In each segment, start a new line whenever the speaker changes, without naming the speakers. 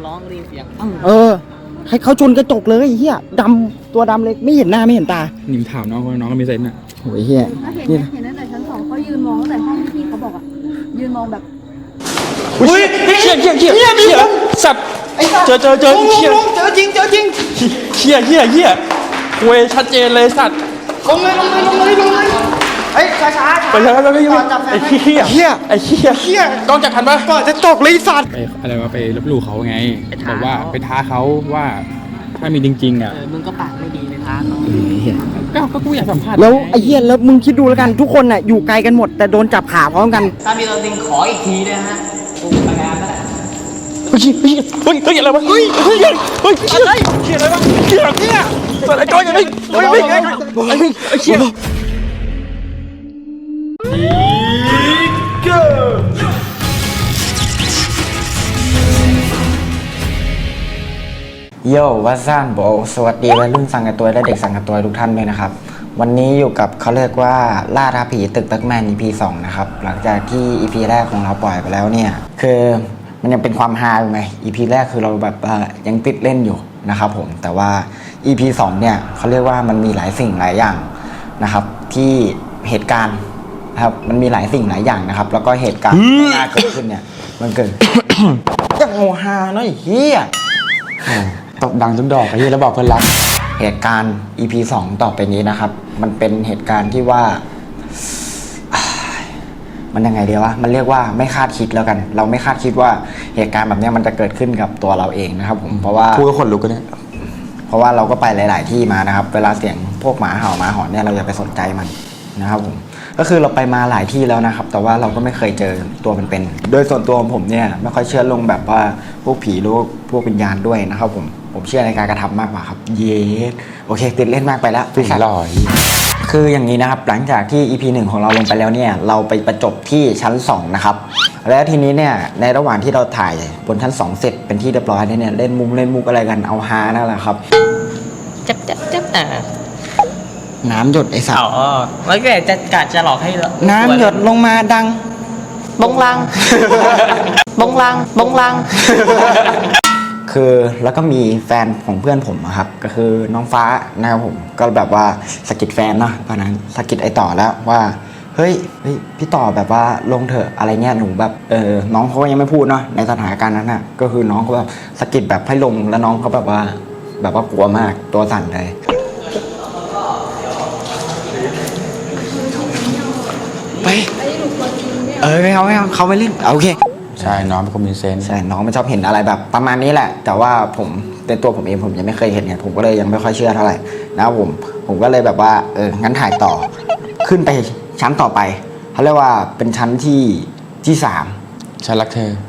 ร้องได้ยินเสียง
ให้เขาชนกระจกเลยเฮียดำตัวดำเลยไม่เห็นหน้าไม่เห็นตา
นิมถามน้องก็มีเซนน่ะ
โอ้ยเฮีย
เห็นตั้งแต่ชั้น2เขายืนมองตั้งแต่ห้องที่เขาบอกอ่ะยืนมองแบบ
อุ้ยเชี่ยสับเจอเชี่ย
เจอจริง
เชี่ยเวชัดเจนเลยสัตว์
ลงเลยช้า
ไปไอ้เหี้ยกล้องจับทันปะ
ก่อนจะตกเลยสัตว์
ไปอะไรวะไปลบหลู่เขาไงบอกว่าไปท้าเขาว่าถ้ามีจริงๆอ่ะ
มึงก็ปากไม่ดีเลยท้า
ก็กูอยากสัมภาษณ์
แล้วไอ้เหี้ยแล้วมึงคิดดูแล้วกันทุกคนน่ะอยู่ไกลกันหมดแต่โดนจับขาพร้อมกัน
ถ้ามีตัวจริงขออีกทีเลยฮะกูพยายามแล้ว
เฮ้ยอะไรวะเชี่ยอะไรวะเชี่ยอะไรก้อนอย่างนี้เชี่ย
โย่วัซานโบสวัสดีวัยรุ่นสังกัดตัวและเด็กสังกัดตัวทุกท่านด้วยนะครับวันนี้อยู่กับเขาเรียกว่าล่าท้าผีตึกแบ็กแมน EP 2นะครับหลังจากที่ EP แรกของเราปล่อยไปแล้วเนี่ยคือมันยังเป็นความฮาอยู่ไง EP แรกคือเราแบบยังติดเล่นอยู่นะครับผมแต่ว่า EP 2เนี่ยเขาเรียกว่ามันมีหลายสิ่งหลายอย่างนะครับที่เหตุการณ์นะครับมันมีหลายสิ่งหลายอย่างนะครับแล้วก็เหตุการณ์ที่เกิดขึ้นเนี่ยมันเกิดยังโมฮาเนาะไอ้เหี้ย
ตบดังทุกดอกไอ้เหี้ยแล้วบอกเพื่อนรัก
เหตุการณ์ EP 2ต่อไปนี้นะครับมันเป็นเหตุการณ์ที่ว่ามันยังไงเดียววะมันเรียกว่าไม่คาดคิดแล้วกันเราไม่คาดคิดว่าเหตุการณ์แบบนี้มันจะเกิดขึ้นกับตัวเราเองนะครับผมเพราะว่า
พูดก็ขนลุกกันเนี่ย
เพราะว่าเราก็ไปหลายๆที่มานะครับเวลาเสียงพวกหมาเห่าหมาหอนเนี่ยเราอย่าไปสนใจมันนะครับผมก็คือเราไปมาหลายที่แล้วนะครับแต่ว่าเราก็ไม่เคยเจอตัวเป็นๆโดยส่วนตัวของผมเนี่ยไม่ค่อยเชื่อลงแบบว่าพวกผีหรือพวกวิญญาณด้วยนะครับผมเชื่อในการกระทำมากกว่าครับเย้โอเคติดเล่นมากไปแล้ว
ติดลอย
คืออย่างนี้นะครับหลังจากที่ EP 1ของเราลงไปแล้วเนี่ยเราไปประจบที่ชั้น2นะครับแล้วทีนี้เนี่ยในระหว่างที่เราถ่ายบนชั้น2เสร็จเป็นที่เรียบร้อยเนี่ยเล่นมุกอะไรกันเอาฮานั่นแหละครับ
จับ
น้ำหยดไอ้สัตว์
แล้วก็จะหลอกให้
น้ำหยดลงมาดัง
บงลัง
คือแล้วก็มีแฟนของเพื่อนผมครับก็คือน้องฟ้านะครับผมก็แบบว่าสะกิดแฟนเนาะตอนนั้นสะกิดไอ้ต่อแล้วว่าเฮ้ยพี่ต่อแบบว่าลงเถอะอะไรเงี้ยหนูแบบน้องเขายังไม่พูดเนาะในสถานการณ์นั้นน่ะก็คือน้องเขาแบบสะกิดแบบให้ลงแล้วน้องเขาแบบว่ากลัวมากตัวสั่นเลยไปไม่เอาเขาไม่เล่นโอเค
ใช่น้องเป็นคนมีเซนส์
ใช่น้องมันชอบเห็นอะไรแบบประมาณนี้แหละแต่ว่าผมเป็นตัวผมเองผมยังไม่เคยเห็นไงผมก็เลยยังไม่ค่อยเชื่อเท่าไหร่นะครับผมก็เลยแบบว่างั้นถ่ายต่อขึ้นไปชั้นต่อไปเขาเรียกว่าเป็นชั้นที่3
ฉันรักเธอ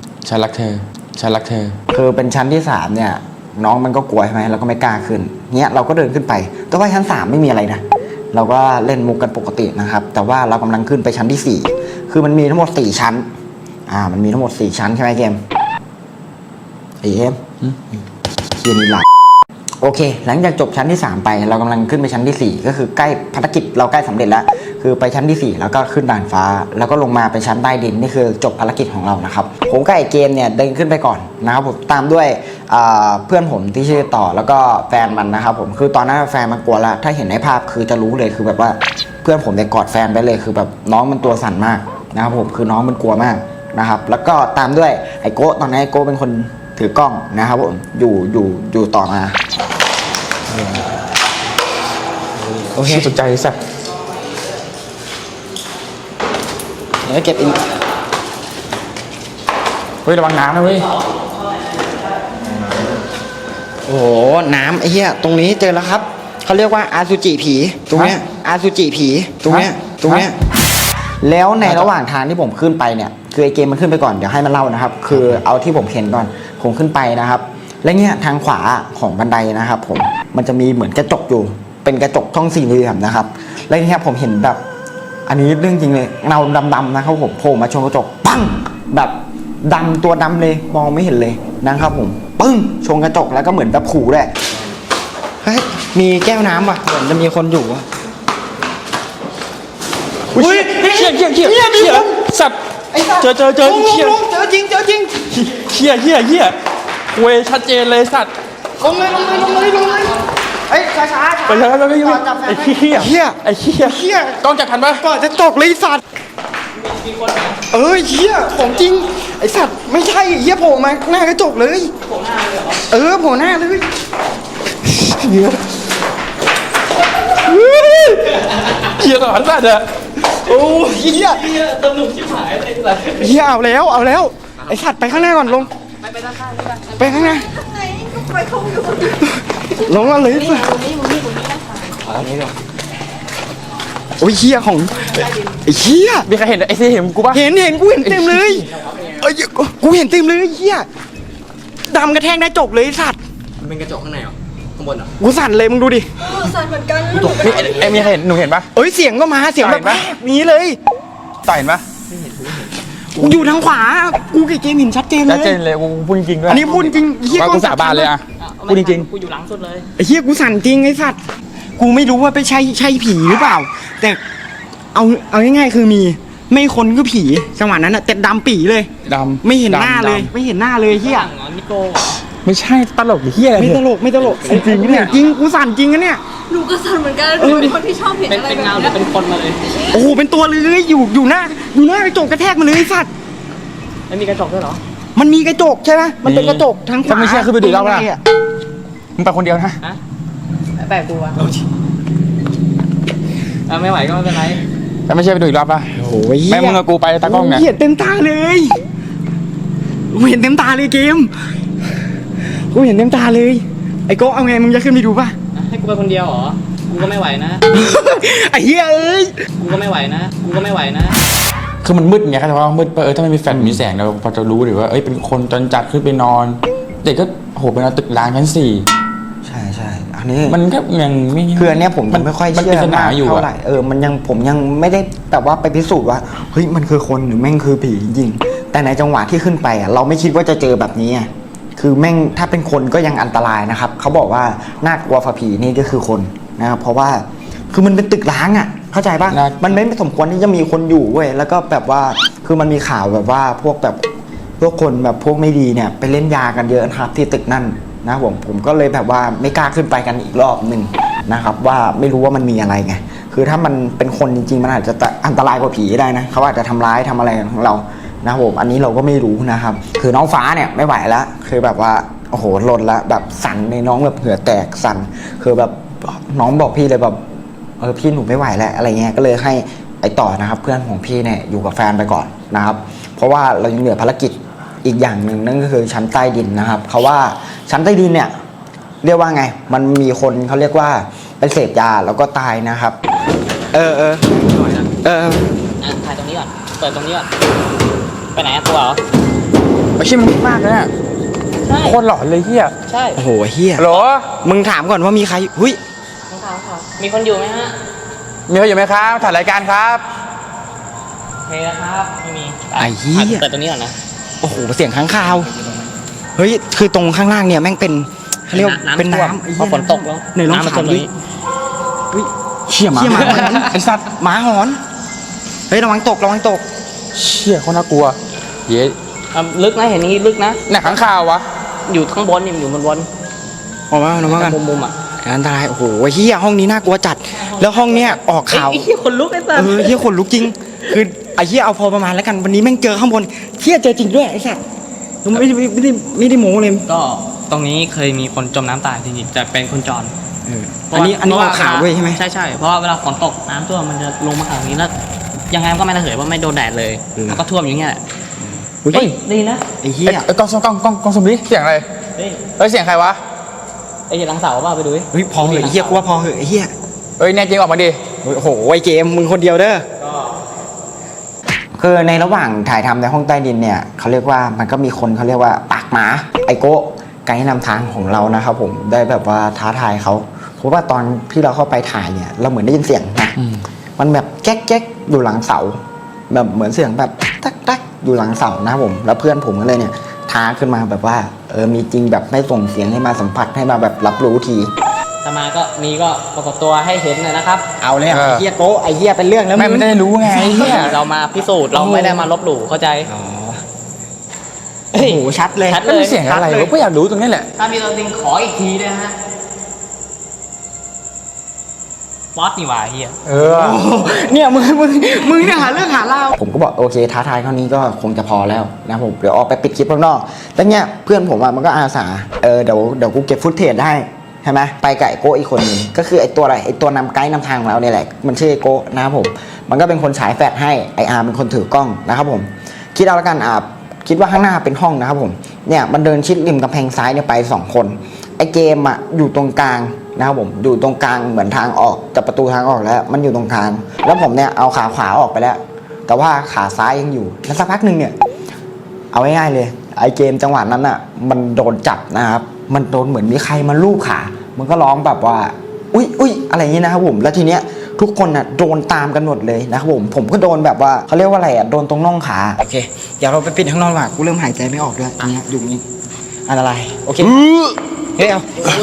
คือเป็นชั้นที่3เนี่ยน้องมันก็กลัวใช่ไหมเราก็ไม่กล้าขึ้นเนี้ยเราก็เดินขึ้นไปแต่ว่าชั้น3ไม่มีอะไรนะเราก็เล่นมุกกันปกตินะครับแต่ว่าเรากำลังขึ้นไปชั้นที่4คือมันมีทั้งหมด4ชั้นมันมีทั้งหมด4ชั้นใช่ไหมเกมเคียนี่หลักโอเคหลังจากจบชั้นที่3ไปเรากำลังขึ้นไปชั้นที่4ก็คือใกล้ภารกิจเราใกล้สำเร็จแล้วคือไปชั้นที่4แล้วก็ขึ้นด่านฟ้าแล้วก็ลงมาไปชั้นใต้ดินนี่คือจบภารกิจของเรานะครับผมกับไอ้เกมเนี่ยเดินขึ้นไปก่อนนะครับผมตามด้วยเพื่อนผมที่ชื่อต่อแล้วก็แฟนมันนะครับผมคือตอนนั้นแฟนมันกลัวแล้วถ้าเห็นในภาพคือจะรู้เลยคือแบบว่าเพื่อนผมเนี่ยกอดแฟนไปเลยคือแบบน้องมันตัวสั่นมากนะครับผมคือน้องมันกลัวมากนะครับแล้วก็ตามด้วยไอ้โก้ตอนนี้ไอ้โก้เป็นคนถือกล้องนะครับผมอยู่ต่อมา
โอเคสนใจสัก
เดี๋ยวเก็บอีก
เฮ้ยระวังน้ำนะเว้ย
โอ้โหน้ำไอ้เหี้ยตรงนี้เจอแล้วครับเขาเรียกว่าอาซูจิผีตรงเนี้ยอาซูจิผีตรงเนี้ยแล้วในระหว่างทางที่ผมขึ้นไปเนี่ยคือไอเกมมันขึ้นไปก่อนเดี๋ยวให้มันเล่านะครับคือเอาที่ผมเห็นก่อนผมขึ้นไปนะครับและเนี่ยทางขวาของบันไดนะครับผมมันจะมีเหมือนกระจกอยู่เป็นกระจกช่องสี่เหลี่ยมนะครับและเนี่ยผมเห็นแบบอันนี้เรื่องจริงเลยเงาดำๆนะครับผมโผล่มาชนกระจกปังแบบดำตัวดำเลยมองไม่เห็นเลยนะครับผมปึ้งชนกระจกแล้วก็เหมือนแบบขู่ด้วยเฮ้ยมีแก้วน้ำว่ะเหมือนจะมีคนอยู่ว่ะ
อุ้ยเชี่ยสับเจอเชี่ย
เจอจริง
เชี่ยเว้ยชัดเจนเลยสัตว์
ลงเลยเฮ้ยช้า
ไปแล้วไปไอ้เหี้ย
เหี้ย
ไอ้เหี้ยกล้องจับทันปะ
ก่อนจะตกเลยไอ้สัตว์เหี้ยของจริงไอ้สัตว์ไม่ใช่เหี้ยโผล่มาหน้ากระจกเลยโผล่หน้าเลยโผล่หน้าเลยเหี้ย
เหี้ยก่อนสัตว์อะ
โอ้เหี้ย
ตำหนุกชิบหายเลยแบบ
เหี้ยเอาแล้วไอ้สัตว์ไปข้างหน้าก่อนลงไปด้านข้างไปข้างหน้าลงมาเลยสัตว์โอ้ยเหี้ยของไอ้เหี้ย
มีใครเห็นไอ้เห็นกูปะ
เห็นกูเห็นเต็มเลยเอ้ยกูเห็นเต็มเลยเหี้ยดำกระแทกได้จบเลยไอ้สัตว์
มันเป็นกระจกข้างในเหรอข้างบนเหรอ
กูสั่นเลยมึงดูดิ
สั่นเหมือนกัน
ไอ้มีใครเห็นหนูเห็นปะ
เอ้ยเสียงก็มาเสียงแบบ
เห็นปะ
นี้เลย
ต่อยเห็นปะ
กูอยู่ทางขวากูกับเกมเห็นชัดเจนเล
ชัด
ย
เจนเลยกูพูดจริงๆด้วย
อันนี้พูดจริงเหี้ย
ว่ากูสาบานเลยอะพูดจริง
กูอยู่หลังสุดเลย
ไอ้เหี้ยกูสั่นจริงไอ้สัตว์กูไม่รู้ว่าไปใช่ผีหรือเปล่า แต่เอาง่ายๆคือมีไม่คนก็ผีจังหวะนั้นอะแต่ดำปี่เลย
ๆดำ
ไม่เห็นหน้าเลย
ดำ
ไม่เห็นหน้าเลยเหี้ย
หลังเหรอนิโก้
ไม่ใช่ตลกเหี้ยอะไร
ไม่ตลกจริงเนี่ยจริงกูสั่นจริงนะเนี่ย
หนูก็สั่นเหมือนกันหนูเป็นคนที่ชอบเห็น
เป็น
อะไร
เป็น
แบบ
เงาหรื
นี้
อเป็นคนมาเลย
โอ้โหเป็นตัวเลยอยู่หน้ากระจกกระแทกมาเลยไอ้สัตว์
ไม่มีกระจกด้วยเหรอ
มันมีกระจกใช่ไหมมันเป็นกระจกทางขวา
ถ้าไม่เชื่อขึ้นไปดูแล้ว
ตรง
นะ
หนอะ
มึงไปคนเดียวนะ
ฮะแปลกกูอะไม่ไหวก็ไม่เป็นไร
แต่ไม่ใช่ไปดูอีกรอบปะ
โอ้ย
แม่มึงกับกูไปตากล้องเนี่ย
เห็นเต็มตาเลยกูเห็นเต็มตาเลยเกมกูเห็นเต็มตาเลยไอ้โก้เอาไงมึงจะขึ้นไปดูป่ะ
ให้กูไปคนเดียวเหรอ กูก็ไม่ไหวนะ
ไอ้เหี้ยเอ้ย
กูก็ไม่ไหวนะ กูก็ไม่ไหวนะ
คือมันมืดไงครับแต่ว่ามืดถ้าไม่มีแฟลชมีแสงเราพอจะรู้หรือว่าเอ้ยเป็นคนจนจัดขึ้นไปนอนเด็กก็โหเป็นตึกร้างชั้น4
ใช่อันนี้
มันก็ยังไม่
คืออันเนี้ยผมยังไม่ค่อย
มัน
เชื่
เป็น
อ
ปัญหาอยู่
เท่า
อะ
ไหร่ผมยังไม่ได้แบบว่าไปพิสูจน์ว่าเฮ้ยมันคือคนหรือแม่งคือผีจริงๆแต่ในจังหวะที่ขึ้นไปอ่ะเราไม่คิดว่าจะเจอแบบนี้อ่ะคือแม่งถ้าเป็นคนก็ยังอันตรายนะครับเขาบอกว่าน่ากลัวฝ่าผีนี่ก็คือคนนะครับเพราะว่าคือมันเป็นตึกร้างอ่ะเข้าใจป่ะมันไม่สมควรที่จะมีคนอยู่เว้ยแล้วก็แบบว่าคือมันมีข่าวแบบว่าพวกคนแบบพวกไม่ดีเนี่ยไปเล่นยากันเยอะนะครับที่ตึกนั่นนะผมก็เลยแบบว่าไม่กล้าขึ้นไปกันอีกรอบหนึ่งนะครับว่าไม่รู้ว่ามันมีอะไรไงคือถ้ามันเป็นคนจริงๆมันอาจจะอันตรายกว่าผีได้นะเขาอาจจะทำร้ายทำอะไรของเรานะครับผมอันนี้เราก็ไม่รู้นะครับคือน้องฟ้าเนี่ยไม่ไหวแล้วคือแบบว่าโอ้โหลนละแบบสั่นในน้องแบบเหงื่อแตกสั่นคือแบบน้องบอกพี่เลยแบบพี่หนูไม่ไหวแล้วอะไรเงี้ยก็เลยให้ไอ้ต่อนะครับเพื่อนของพี่เนี่ยอยู่กับแฟนไปก่อนนะครับเพราะว่าเรายังเหลือภารกิจอีกอย่างหนึ่งนั่นก็คือชั้นใต้ดินนะครับเขาว่าชั้นใต้ดินเนี่ยเรียกว่าไงมันมีคนเขาเรียกว่าไปเสพยาแล้วก็ตายนะครับ
ถ่ายตรงนี้ก่อน เปิดตรงนี้ก่อน ไปไหนอะตัวเหรอ
ไม่ใช่มันมืดมากเลยอะ
ใช่
โคตรหลอนเลยเฮีย
ใช่
โอ้โหเฮีย
หรอ
มึงถามก่อนว่ามีใครหุ้ย
มีคนอยู่ไหมฮะ
มีใครอยู่ไหมครับถ่ายรายการครับ
โอเคนะครับ ไม่มี
ไอ้เหี้ย
เปิดตรงนี้ก่อนนะ
โอ้โหเสียงค้างคาวเฮ้ยคือตรงข้างล่างเนี่ยแม่งเป็นเขาเรียกว่าเป็นน้ำไอ้
พ
เหี้
อย ฝนตกแล้ว
ไหนลอง
ำมั
ถาม
จม
ดิ
นี้
เชี่ยหมา
เชี่ยหมาหอน
ไอ้สัตว์
หมาหอนเฮ้ยระวังตก
เชี่ยโคตรน่ากลัวเย้
ลึกนะ เห็นอย่างนี้ลึกนะ
หนักขังข่าววะ
อยู่ข้างบนนี่มันอยู่บน
ออกมากัน
มุมอ่ะ
อันตรายโอ้โหเฮียห้องนี้น่ากลัวจัด แล้วห้องเนี้ยออกข่าว
ไอ้เหี้ยคนลุกไอ้สัส
เฮียขนลุกจริง คือไอ้เฮียเอาพอประมาณแล้วกันวันนี้แม่งเจอข้างบนเฮียเจอจริงด้วยไอ้สัสไม่ได้โม้เลย
ก็ตรงนี้เคยมีคนจมน้ำตายจริงๆจะเป็นคนจร
อันนี้ออกข่าวด้วยใช่ไหม
ใช่เพราะว่าเวลาฝนตกน้ำท่วมมันจะลงมาทางนี้แล้วยังไงมันก็ไม่ระเหยเพราะไม่โดนแดดเลยมันก็ท่วมอย่างเงี้ยแหละ
อุ้ย
เฮ้ยดีนะ
ไอ้เฮีย
กล้องสมดิเสียงอะไร
เฮ้ย
เฮ้ยเสียงใครวะ
ไอ้เหี้ยหลังเสาเปล่าไปดูดิ
เฮ้ยพอเหอะไอ้เฮียกูว่าพอเหอะไอ้เฮีย
เฮ้ยแน่จริงออกมาดิ
โอ้โหไอ้เกมมึงคนเดียวเด้อคือในระหว่างถ่ายทำในห้องใต้ดินเนี่ยเขาเรียกว่ามันก็มีคนเขาเรียกว่าปากหมาไอโก้ไกด์นำทางของเรานะครับผมได้แบบว่าท้าทายเขาเพราะว่าตอนที่เราเข้าไปถ่ายเนี่ยเราเหมือนได้ยินเสียงนะมันแบบแก๊กอยู่หลังเสาแบบเหมือนเสียงแบบตักอยู่หลังเสานะครับผมแล้วเพื่อนผมก็เลยเนี่ยท้าขึ้นมาแบบว่ามีจริงแบบไม่ส่งเสียงให้มาสัมผัสให้มาแบบรับรู้ที
จะมาก็มีก็ปรากฏตัวให้เห็นเลยนะครับ
เอาเลยไอ้เฮียโก้ไอ้เฮียเป็นเรื่องแล้ว
แม่มันจะได้รู้ไงไอ้เหี้ย
เรามาพิสูจน์เราไม่ได้มาลบหลู่เข้าใจ
อ๋อโอ้โหชัดเลย
ชัด
แล้วมีเสียงอะไรวะก็อยากรู้ตรงนี้แหละ
ถ้ามีตัวจริงขออีกทีด้วยนะฮะป๊อตนี่หว่าเฮีย
เนี่ยมึงเนี่ยหาเรื่องหาราวผมก็บอกโอเคท้าทายเท่านี้ก็คงจะพอแล้วนะผมเดี๋ยวออกไปปิดคลิปข้างนอกแต่เนี่ยเพื่อนผมมันก็อาสาเดี๋ยวกูเก็บฟุตเทจได้ใช่ไหมไปกับไอโก้อีกคนนึงก็คือไอตัวอะไรไอตัวนำไกด์นำทางของเราเนี่ยแหละมันชื่อไอโก้นะครับผมมันก็เป็นคนฉายแฟลชให้ไออาร์เป็นคนถือกล้องนะครับผมคิดเอาละกันคิดว่าข้างหน้าเป็นห้องนะครับผมเนี่ยมันเดินชิดริมกำแพงซ้ายเนี่ยไป2คนไอเกมอยู่ตรงกลางนะครับผมอยู่ตรงกลางเหมือนทางออกจากประตูทางออกแล้วมันอยู่ตรงกลางแล้วผมเนี่ยเอาขาขวาออกไปแล้วแต่ว่าขาซ้ายยังอยู่แล้วสักพักหนึ่งเนี่ยเอาง่ายๆเลยไอเกมจังหวะนั้นมันโดนจับนะครับมันโดนเหมือนมีใครมาลูบขามันก็ร้องแบบว่าอุ้ยอะไรอย่างนี้นะครับผมแล้วทีเนี้ยทุกคนโดนตามกันหมดเลยนะครับผมก็โดนแบบว่าเขาเรียกว่าอะไรโดนตรงน่องขาโอเคเดี๋ยวเราไปปิดข้างนอกว่ะกูเริ่มหายใจไม่ออกด้วยอันนี้อยู่นี่อะไรโอเคเฮ้ยเอา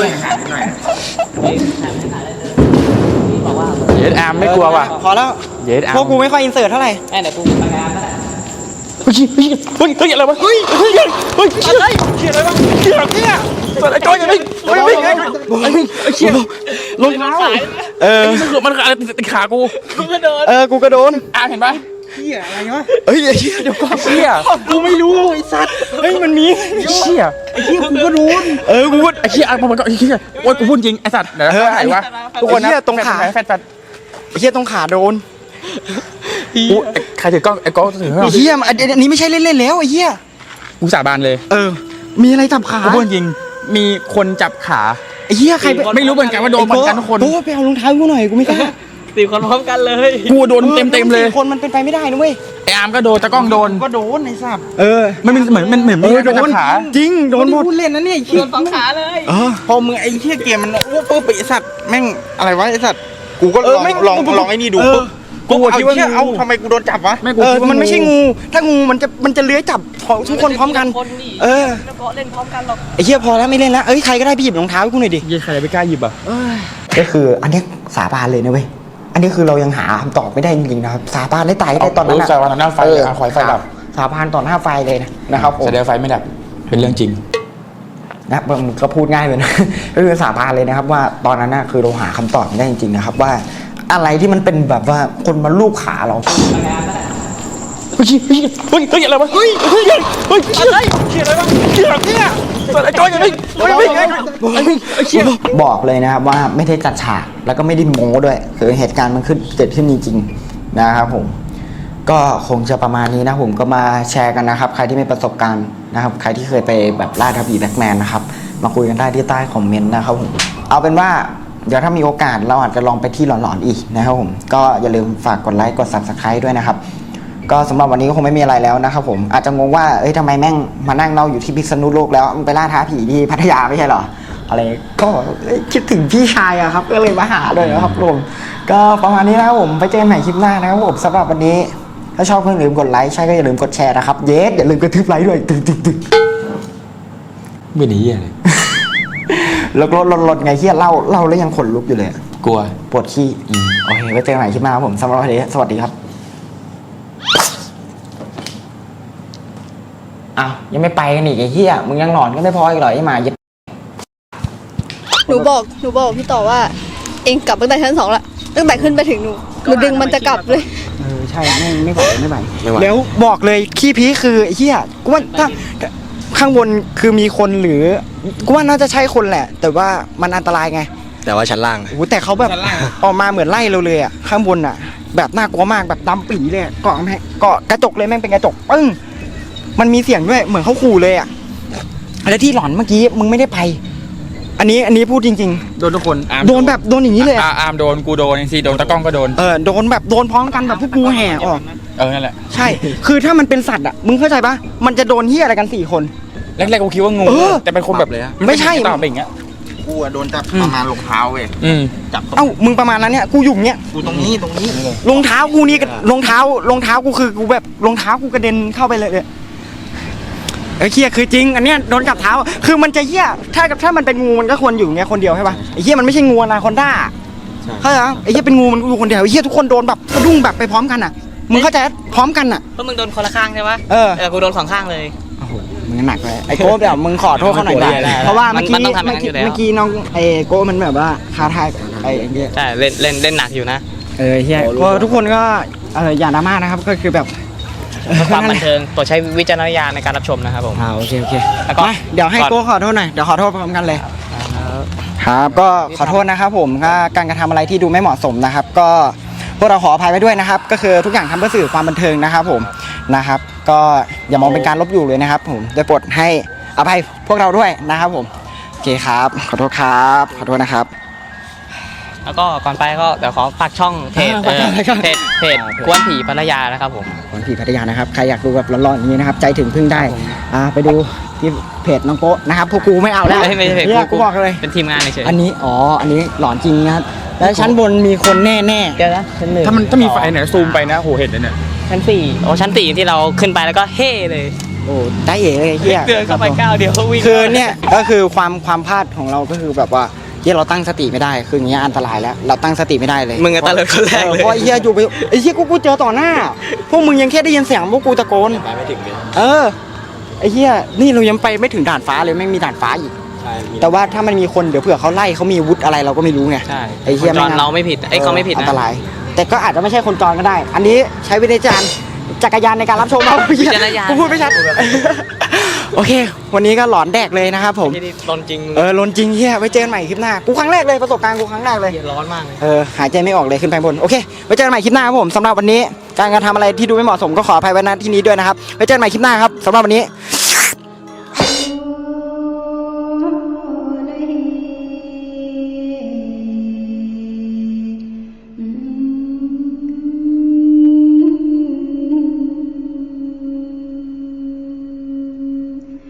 เยสอาร์มไม่กลัวว่ะ
พอแล้ว
เยสอาร์
พวก
ม
กูไม่ค่อยอินเสิร์ตเท่าไหร่
เดี๋ยวกูไปงานก็ได้
เฮ้ยอะไรวะเฮ้ยเชี่ยอะไรวะเชี่ยเนี่ยตัวไอ้ก้อยยังไม่เชี่ยรองเท้ามันอะไรติดขากู
กูกระโดน
อาร์มเห็นปะ
เฮียอะไรวะเฮ้ยเฮียเดี๋ยวก่อนเฮียกูไม่รู้ไอ้สัตว์เฮ้ยมันมี
เชี่ย
ไอ้เฮียกูก็โดนกูพูด
ไอ้เชี่ยมันก็ไอ้เชี่ยโอ๊ยกูพูดจริงไอ้สัตว์เดี๋ยวไหนวะทุกคนนะตรงขาแฟด
ไอ้เฮียตรงขาโดน
กูใครถือกล้องไอ้ก้องถือ
ไอ้เฮียอันนี้ไม่ใช่เล่นๆแล้วไอ้เฮีย
กูสาบานเลย
มีอะไรจับขา
กูพูดจริงมีคนจับขา
ไอ้เฮียใคร
ไม่รู้เหมือนกันว่าโดนเหมือนกันทุกคน
โอ้ไปเอารองเท้ากูหน่อยกูไม่กล้า
4 คนพร้อมกันเลย
กูโดนเต็มเลย
คนมันเป็นไปไม่ได้นะเว้ย
ไอ้อาร์มก็โดนตะก้องโดน
ก็โดนไอ้สัตว์
มันเหมือนไม่โดนขา
จริงโดนหมดพูดเล่นนะเนี่ยไอ้เฮี
โด
ย
น2 ขาเลย
พอมึงไอ้เหี้ยเกมมันอ้วกปุ๊บไอ้สัตว์แม่งอะไรวะไอ้สัตว์กูก็ลองไอ้นี่ดูปุ๊บ
กูคิดว่า
เอาทำไมกูโดนจับวะ
มันไม่ใช่งูถ้างูมันจะเลื้อยจับทุกคนพร้อมกัน
เล่นพร้อมกันหรอก
ไอ้เหี้ยพอแล้วไม่เล่นแล้วใครก็ได้ไปหยิบรองเท้าให้กูหน่อยดิ
ยี่ใครไม่กล้าหยิบอ่ะ
ก็คืออันนี้สาบานเลยนะเว้ยอันนี้คือเรายังหาคำตอบไม่ได้จริงๆนะครับสาบานได้ตายได้ตอนนั้น
สาบานต่อหน้าไฟไฟดับ
สาบานต่อหน้าไฟเลยนะครับผม
แสดงไฟไม่ดับเป็นเรื่องจริง
นะมึงก็พูดง่ายเลยนะ ก็คือสาบานเลยนะครับว่าตอนนั้นคือเราหาคำตอบไม่ได้จริงๆนะครับว่าอะไรที่มันเป็นแบบว่าคนมาลูบขาเรา
เฮ้ยอะไรวะเฮ้ยเชี่ยอะไรวะเชี่ยเนี่ยตัวไอ้ก้อยยังไม่เชี่ย
บอกเลยนะครับว่าไม่ได้จัดฉากแล้วก็ไม่ได้โม้ด้วยคือเหตุการณ์มันเกิดขึ้นจริงๆนะครับผมก็คงจะประมาณนี้นะผมก็มาแชร์กันนะครับใครที่มีประสบการณ์นะครับใครที่เคยไปแบบล่าท้าผีแบ็คแมนนะครับมาคุยกันได้ที่ใต้คอมเมนต์นะครับผมเอาเป็นว่าเดี๋ยวถ้ามีโอกาสเราอาจจะลองไปที่หลอนๆอีกนะครับผมก็อย่าลืมฝากกดไลค์กด Subscribe ด้วยนะครับก็สำหรับวันนี้ก็คงไม่มีอะไรแล้วนะครับผมอาจจะงงว่าทำไมแม่งมานั่งเล่าอยู่ที่พิษณุโลกแล้วมันไปล่าท้าผีที่พัทยาไม่ใช่เหรออะไรก็คิดถึงพี่ชายอะครับก็เลยมาหาเลยนะครับผมก็ประมาณนี้นะครับผมไปเจอกันใหม่คลิปหน้านะครับผมสำหรับวันนี้ถ้าชอบก็อย่าลืมกดไลค์ใช่ก็อย่าลืมกดแชร์นะครับอย่าลืมกระทืบไลค์ด้วยตึ๊ง
ไม่หนีอะไร
แล้วก็ลดไงเฮียเล่าแล้วยังขนลุกอยู่เลย
กลัว
ปวดขี้โอเคไว้เจอกันใหม่คลิปหน้าครับผมสำหรับวันนี้สวัสดีครับอ้าวยังไม่ไปกันอีกไอ้เหี้ยมึงยังหลอนก็ไม่พออีกเหรอไอ้หมา
หนูบอกพี่ต่อว่า เองกลับตั้งแต่ชั้น 2ละตั้งแต่ขึ้นไปถึงหนูดึงมันจะกลับเลย
ใช่ไม่ไหวแล้วบอกเลยขี้พีคือไอ้เหี้ยกูว่าถ้าข้างบนคือมีคนหรือกูว่าน่าจะใช่คนแหละแต่ว่ามันอันตรายไง
แต่ว่าชั้นล่าง
โอ้แต่เขาแบบออกมาเหมือนไล่เราเลยอ่ะข้างบนอ่ะแบบน่ากลัวมากแบบดำปีเลยเกาะกระจกเลยแม่งเป็นกระจกปึ้งมันมีเสียงด้วยเหมือนเขาขู่เลยอ่ะแล้วที่หลอนเมื่อกี้มึงไม่ได้ไปอันนี้พูดจริง
ๆโดนทุกคน
โดนแบบโดนอย่างนี้เลย
อาร์มโดนกูโดนซีโดนตะก้องก็โดน
โดนแบบโดนพร้อมกันแบบพวกกูแห่ออก
นั่นแหละ
ใช่คือถ้ามันเป็นสัตว์อ่ะมึงเข้าใจปะมันจะโดนเหี้ยอะไรกัน4 คน
แรกๆกูคิดว่างูแต่เป็นคนแบบเลย
ไม่ใช่
ต่อเป็นอย่างเงี้ย
กูโดนจับประมาณรองเท้าเว้ย
จับมึงประมาณนั้นเนี่ยกูอยู่เงี้ย
กูตรงนี้
รองเท้ากูนี่รองเท้ากูคือกูแบบรองเท้ากูกระเด็นเข้าไปเลยเหี้ยคือจริงอันเนี้ยโดนจับเท้าคือมันจะเหี้ยถ้ามันเป็นงูมันก็ควรอยู่เงี้ยคนเดียวใช่ป่ะไอ้เหี้ยมันไม่ใช่งูอนาคอนด้าเข้าใจปะไอ้เหี้ยเป็นงูมันอยู่คนเดียวไอ้เหี้ยทุกคนโดนแบบสะดุ้งแบบไปพร้อมกันอ่ะมึงเข้าใจพร้อมกันอ่ะ
เพราะมึงโดนคนละข้างใช่ปะกูโดน2 ข้างเลย
มึงหนักเลยไอ้โก้เดี๋ยวมึงขอโทษเขาหน่อย
ได้
ได้
ได้
เพราะว่าเมื่อกี้
มันต้องทำอย่างนั้นอยู่แล้ว
เมื่อกี้น้องไอ้โก้มันแบบว่าท้าทายไอ้เงี้ย
ใช่เล่นหนักอยู่นะ
เฮียก็ทุกคนก็อย่าดราม่านะครับก็คือแบบ
ความบันเทิงโปรดใช้วิจารณญาณในการรับชมนะครับผม
โอเค
แล้วก็
มาเดี๋ยวให้โก้ขอโทษหน่อยเดี๋ยวขอโทษพร้อมกันเลยครับก็ขอโทษนะครับผมก็การกระทำอะไรที่ดูไม่เหมาะสมนะครับ ก็พวกเราขออภัยไว้ด้วยนะครับ ก็คือทุกอย่างทำเพื่อสื่อความบันเทิงนะครับผมนะครับ ก็อย่ามองเป็นการลบหลู่เลยนะครับ ผมได้โปรดให้อภัยพวกเราด้วยนะครับผมโอเคครับขอโทษครับขอโทษนะครับ
แล้วก็ก่อนไปก็เดี๋ยวขอฝากช่องเพจ เพจกวนผีพัทยานะครับผม
คนผีพัทยานะครับใครอยากดูแบบร้อนๆอย่างนี้นะครับใจถึงพึ่งได้ไปดูที่เพจน้องโก้นะครับพวกกูไม่เอาแล้ว
ไม่ใช่เพจ
เนี่ยกูบอกเลย
เป็นทีมงานเฉย
อันนี้อันนี้หลอนจริงนะครับแล้วชั้นบนมีคนแน่
เดี๋ยวนะชั้นหนึ่ง
ถ้ามีไฟเนี่ยซูมไปนะโหเห็นเลยเนี่ย
ชั้น4โอ้ชั้น4ที่เราขึ้นไปแล้วก็เฮ่เลย
โอ้ได้เอ๋เลยเฮีย
เดินเข้าไปก้าวเดียวก็วิ่ง
คือเนี่ยก็คือความพลาดของเราก็คือแบบว่าที่เราตั้งสติไม่ได้คืออย่างเงี้ยอันตรายแล้วเราตั้งสติไม่ได้เลย
มึงก็ตะเลิดคนแรกเลย
เพราะไอ้เฮียอยู่ไปไอ้เฮียกูเจอต่อหน้าพวกมึงยังแค่ได้ยินเสียงพวกกูตะโกน
ไปไม่ถึงเลย
ไอ้เฮียนี่เรายังไปไม่ถึงด่านฟ้าเลยไม่มีด่านฟ้าอีก
ใช่
แต่ว่าถ้ามันมีคนเดี๋ยวเผื่อเขาไล่เขามีอาวุธอะไรเราก็ไม่รู้ไง
ใช่
ไอ้เหี้ย
คนจรเราไม่ผิดไอ้เขาไม่ผิด
อั
นะ
นตราย แต่ก็อาจจะไม่ใช่คนจรก็ได้ อันนี้ใช้วิจารณ์จักรยานในการรับชมเอา
วิจารณญาณ
กูพูดไม่ชัด โอเค วันนี้ก็หลอนแดกเลยนะครับผม
ที่นี่ร้อนจริง
ลนจริงเฮียไว้เจอกันใหม่คลิปหน้ากูครั้งแรกเลยประสบการณ์กูครั้งแรกเลย
ร้อนมากเลย
หายใจไม่ออกเลยขึ้นไปบนโอเคไว้เจอกันใหม่คลิปหน้าครับผมสำหรับวันนี้การกระทำอะไรที่ดูไม่เหมาะสมก็ขออภัยไว้ณที่นี้ด้วยนะครับไว้เจอกันใหม่คลิปหน้าครับสำหรับวันนี้